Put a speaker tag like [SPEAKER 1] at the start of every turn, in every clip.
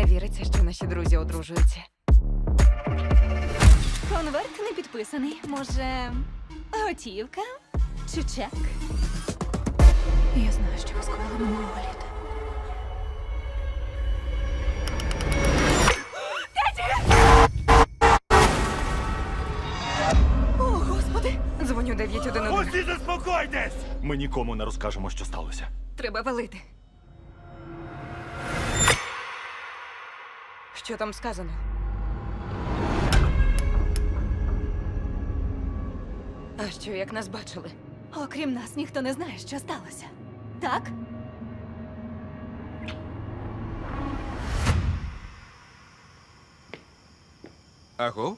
[SPEAKER 1] віриться, що наші друзі одружуються.
[SPEAKER 2] Конверт не підписаний. Може, готівка чи чек? Я знаю, що ви скоїли минулого літа. О, Господи!
[SPEAKER 1] Дзвоню 911.
[SPEAKER 3] Усі заспокойтесь! Ми нікому не розкажемо, що сталося.
[SPEAKER 1] Треба валити. Що там сказано? А що, як нас бачили?
[SPEAKER 2] Окрім нас, ніхто не знає, що сталося. Так?
[SPEAKER 4] Аго?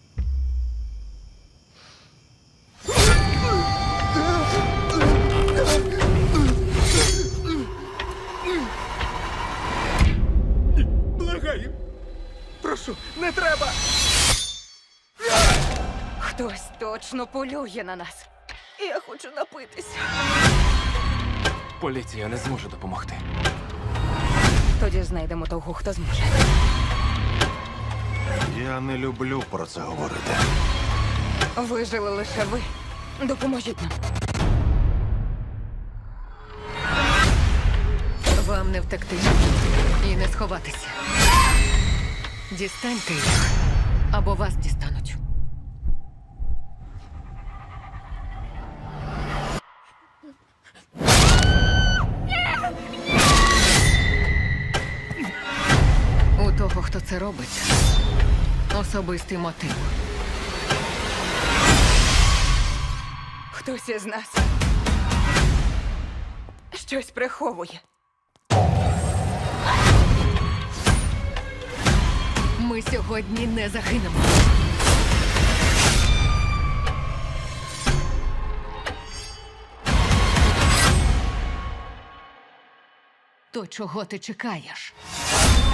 [SPEAKER 4] Благаю. Прошу, не треба.
[SPEAKER 1] Хтось точно полює на нас.
[SPEAKER 2] Я хочу напитися.
[SPEAKER 4] Поліція не зможе допомогти.
[SPEAKER 1] Тоді знайдемо того, хто зможе.
[SPEAKER 3] Я не люблю про це говорити.
[SPEAKER 1] Вижили лише ви. Допоможіть нам.
[SPEAKER 5] Вам не втекти і не сховатися. Дістаньте їх, або вас дістануть. У того, хто це робить, особистий мотив.
[SPEAKER 1] Хтось із нас щось приховує.
[SPEAKER 5] Ми сьогодні не загинемо. То чого ти чекаєш?